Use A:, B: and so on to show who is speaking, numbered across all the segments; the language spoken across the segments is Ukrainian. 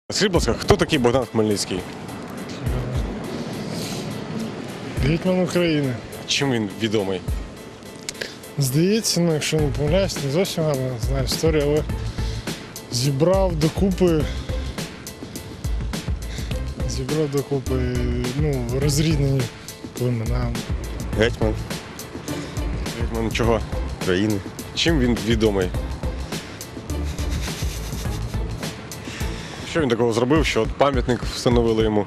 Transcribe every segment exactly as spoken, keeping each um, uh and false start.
A: Скажіть, будь ласка, хто такий Богдан Хмельницький?
B: Гетьман України.
A: Чим він відомий?
B: Здається, ну, якщо не помиляюсь, не зовсім гарно знаю історію, але зібрав докупи, зібрав докупи, ну, розрізнені племена.
C: Гетьман
A: Гетьман чого?
C: країни.
A: Чим він відомий? Що він такого зробив, що от пам'ятник встановили йому?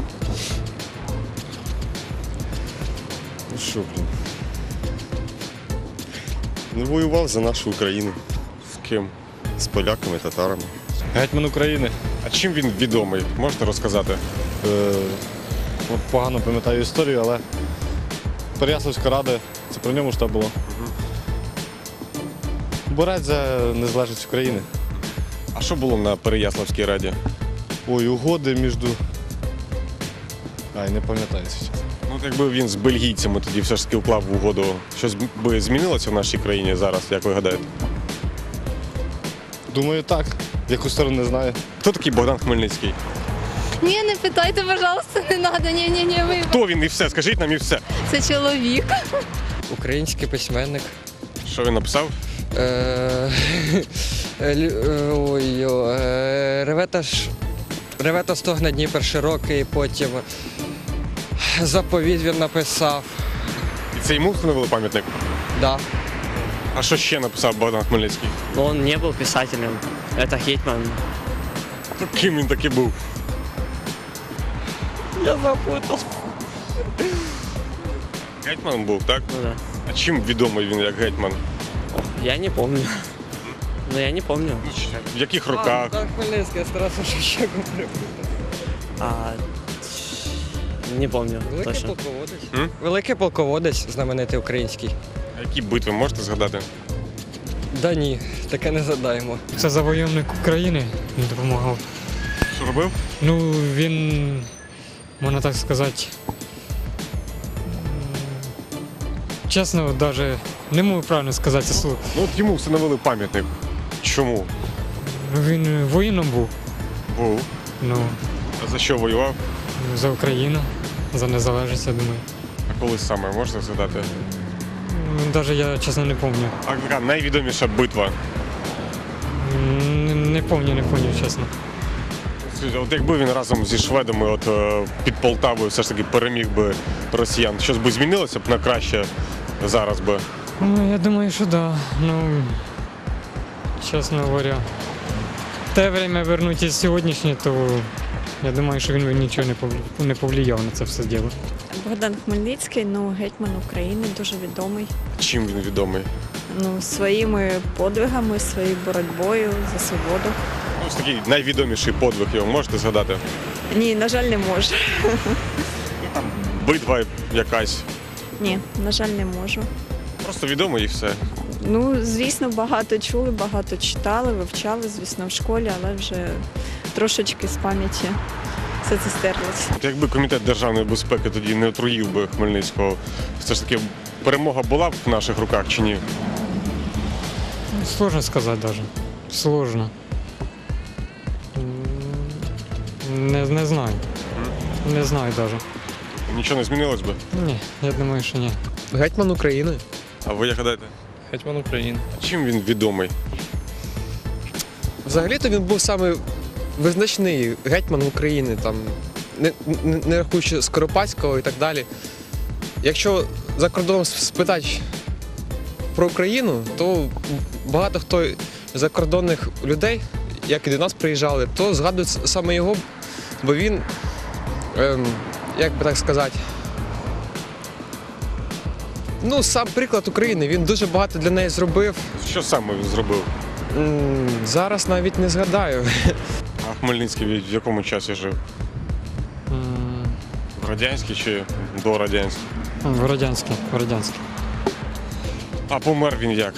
C: Ну що, блін? Ну, воював за нашу Україну
A: З ким?
C: з поляками, татарами.
D: Гетьман України.
A: А чим він відомий? Можете розказати?
D: Е, от погано пам'ятаю історію, але Переяславська рада, це про ньому ж так було. Борець за незалежність України.
A: А що було на Переяславській раді?
D: Ой, угоди між... Ай, не пам'ятаю зараз.
A: Ну, от якби він з бельгійцями тоді все ж таки вклав в угоду, щось би змінилося в нашій країні зараз, як ви гадаєте?
D: Думаю, так. В яку сторону не знаю.
A: Хто такий Богдан Хмельницький?
E: Ні, не питайте, пожалуйста, не треба. Ні, ні, ні, ви.
A: Хто він і все? Скажіть нам і все.
E: Це чоловік.
F: Український письменник.
A: Що він написав?
F: Е, лю- е, Ой, о, е, Ревета ж. Ревета стогне Дніпер широкий, потім заповідь він написав.
A: І це йому встановили пам'ятник?
F: Да.
A: А що ще написав Богдан Хмельницький?
G: Он не был писателем. Это Гетьман.
A: Ким він таки був?
G: Я запутал.
A: Гетьман був, так?
G: Ну да.
A: А чим відомий він як гетьман?
G: Я не помню. Но я не помню.
A: В яких роках?
F: Так, Хмельницький, я старався ще говорив.
G: А, не помню
F: Великий
G: точно.
F: полководець.
A: М?
F: Великий полководець, знаменитий український.
A: А які битви можете згадати?
F: Да ні, таке не задаємо.
H: Це завойовник України він допомагав.
A: Що робив?
H: Ну, він, можна так сказати, м, чесно, навіть не можу правильно сказати це слово.
A: Ну от йому встановили пам'ятник. Чому?
H: Ну, він воїном був,
A: Був.
H: ну,
A: А за що воював?
H: за Україну, за незалежність, я думаю.
A: А коли саме можете згадати?
H: Навіть я чесно не пам'ятаю.
A: А яка найвідоміша битва?
H: Не, не пам'ятаю, не пам'ятаю, чесно.
A: Скажіть, от якби він разом зі шведами от, е, під Полтавою все ж таки переміг би росіян, щось би змінилося б на краще зараз би?
H: Ну, я думаю, що да. Ну, чесно говоря, те время вернуть із сьогоднішнє, то я думаю, що він би нічого не повлияв, не повлияв на це все діло.
I: Богдан Хмельницький, ну, гетьман України, дуже відомий.
A: Чим він відомий?
I: Ну, своїми подвигами, своєю боротьбою за свободу.
A: Ну, ось такий найвідоміший подвиг його можете згадати?
I: Ні, на жаль, не можу.
A: Битва якась.
I: Ні, на жаль, не можу.
A: Просто відомо і все.
I: Ну, звісно, багато чули, багато читали, вивчали, звісно, в школі, але вже трошечки з пам'яті все це стерлося.
A: От якби комітет державної безпеки тоді не отруїв би Хмельницького, все ж таки перемога була б в наших руках чи ні?
H: Ну, сложно сказати навіть. Сложно. М, Не, не знаю. Не знаю навіть.
A: Нічого не змінилось би?
H: Ні, я думаю, що ні.
F: Гетьман України.
A: А ви як гадаєте?
D: Гетьман України.
A: Чим він відомий?
F: Взагалі-то він був саме визначний гетьман України, там, не, не, не рахуючи Скоропадського і так далі. Якщо за кордоном спитати про Україну, то багато хто з закордонних людей, як і до нас приїжджали, то згадують саме його, бо він, ем, як би так сказати, ну, сам приклад України, він дуже багато для неї зробив.
A: Що саме він зробив?
F: М, Зараз навіть не згадаю.
A: А Хмельницький в якому часі жив?
H: М,
A: В радянській чи до радянській?
H: В радянській, в радянській.
A: А помер він як?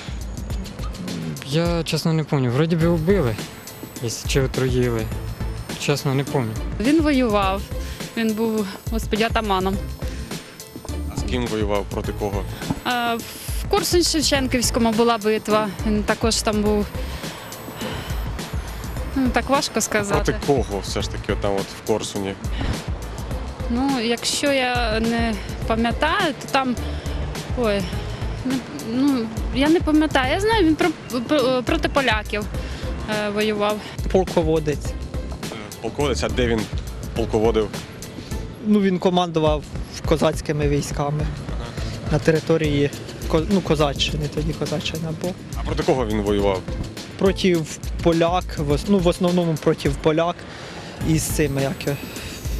H: Я чесно не пам'ятаю. Вроді би вбили, якщо чи отруїли. Чесно, не пам'ятаю.
E: Він воював. Він був, господі, атаманом.
A: А з ким воював, проти кого?
E: А, в Корсунь-Шевченківському була битва. Він також там був.
J: Ну, так важко
A: Проти
J: сказати.
A: кого все ж таки там от в Корсуні?
J: Ну, якщо я не пам'ятаю, то там. Ой, не, ну, я не пам'ятаю. Я знаю, він про, про- проти поляків е, воював.
K: Полководець.
A: Полководець, а де він полководив?
K: Ну, він командував козацькими військами на території Ко- ну, Козаччини, тоді Козаччина була.
A: А проти кого він воював?
K: Проти поляк, в ос- ну, в основному проти поляк і з цими, як його,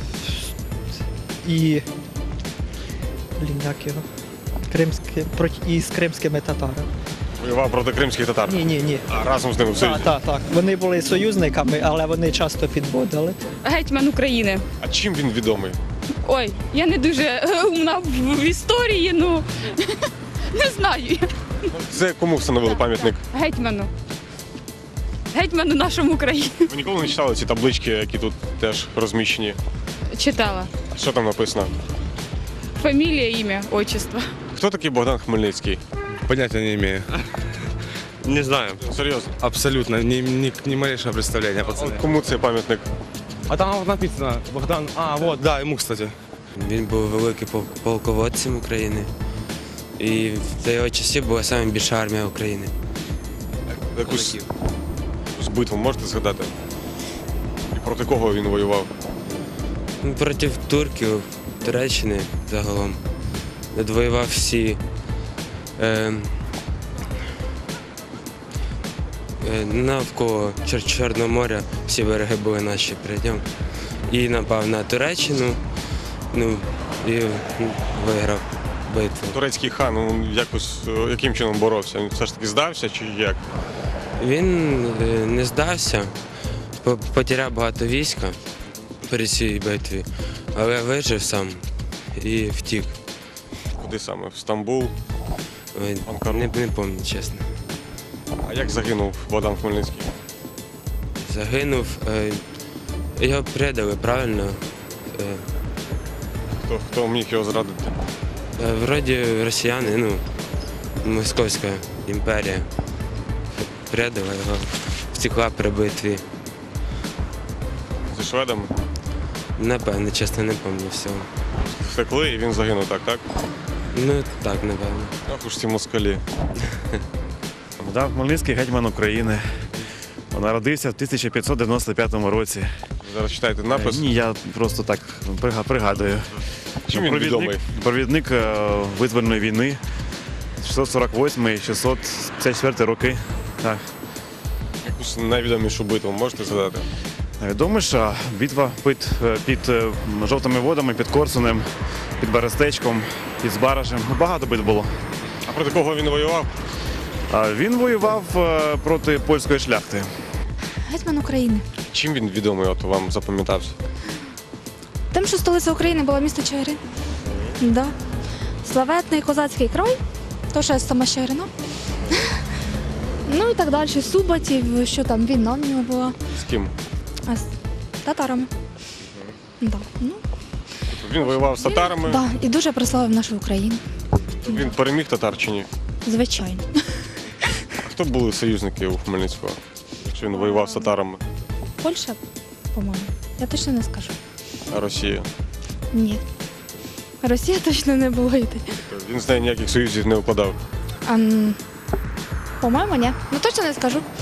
K: і блін, як його, кримські, проти, і з кримськими татарами.
A: Воював проти кримських татар.
K: Ні, ні, ні.
A: А разом з ними в Союзі.
K: Так, так, так. Вони були союзниками, але вони часто підводили.
J: Гетьман України.
A: А чим він відомий?
J: Ой, я не дуже е, умна в, в історії, ну не знаю.
A: Це кому встановили пам'ятник?
J: Гетьману. Гетьману нашому країні.
A: Ви ніколи не читали ці таблички, які тут теж розміщені?
J: Читала.
A: Що там написано?
J: Фамілія, ім'я, отчество.
A: Хто такий Богдан Хмельницький?
L: Понятия не имею. Не знаю.
A: Серйозно?
L: Абсолютно. Ни, ни, ни малейшего представления, пацаны.
A: Кому цей пам'ятник?
L: А там вот написано Богдан. А, вот, да, ему, кстати.
G: Він був великим пол- полководцем України. І за його часів була найбільша армія України.
A: Якусь якусь битву можете згадати? І проти кого він воював?
G: Ну, проти турків, Туреччини загалом. Відвоював всі е, е, навколо Чор- Чорного моря, всі береги були наші перед ним. І напав на Туреччину, ну, і ну, виграв битву.
A: Турецький хан, ну, якось е, яким чином боровся? Він все ж таки здався чи як?
G: Він е, не здався, по- потеряв багато війська при цій битві, але вижив сам і втік.
A: Куди саме? В Стамбул?
G: Ой,
A: Анкару?
G: Не, не пам'ятаю, чесно.
A: А як загинув Богдан Хмельницький?
G: Загинув, е, його предали, правильно? Е,
A: Хто, хто міг його зрадити?
G: е, вроді росіяни, ну, Московська імперія предала його, втекла при битві.
A: Зі шведами?
G: Напевно, чесно, не пам'ятаю всього.
A: Втекли і він загинув, так, так?
G: Ну, так, напевно.
A: Ах уж ці москалі.
M: Богдан Хмельницький, гетьман України. Народився в тисяча п'ятсот дев'яносто п'ятому році.
A: Ви зараз читаєте напис?
M: Ні, я просто так прига- пригадую.
A: Чим він
M: Провідник-
A: відомий?
M: Провідник е, визвольної війни шістсот сорок восьмий - шістсот п'ятдесят четвертий роки. Так.
A: Якусь найвідомішу битву можете згадати?
M: Найвідоміша битва під, е, під е, жовтими водами, під Корсунем, під Берестечком, під Збаражем. Ну, багато битв було.
A: А проти кого він воював?
M: А він воював е, проти польської шляхти.
E: Гетьман України.
A: Чим він відомий, от вам запам'ятався?
E: Тим, що столиця України була місто Чигирин. Да. Славетний козацький край, то що я сама з Чигирина. Ну і так далі. Суботів, що там війна в нього була.
A: З ким?
E: А з татарами. Да. Ну,
A: Він воював з татарами.
E: да. І дуже прославив нашу Україну.
A: Він переміг татар чи ні?
E: Звичайно.
A: А хто були союзники у Хмельницького? Якщо він воював з татарами,
E: Польща, по-моєму. Я точно не скажу.
A: а Росія?
E: Ні. Росія точно не була йти.
A: Він з нею ніяких союзів не укладав.
E: А, м, по-моєму, ні. Ну точно не скажу.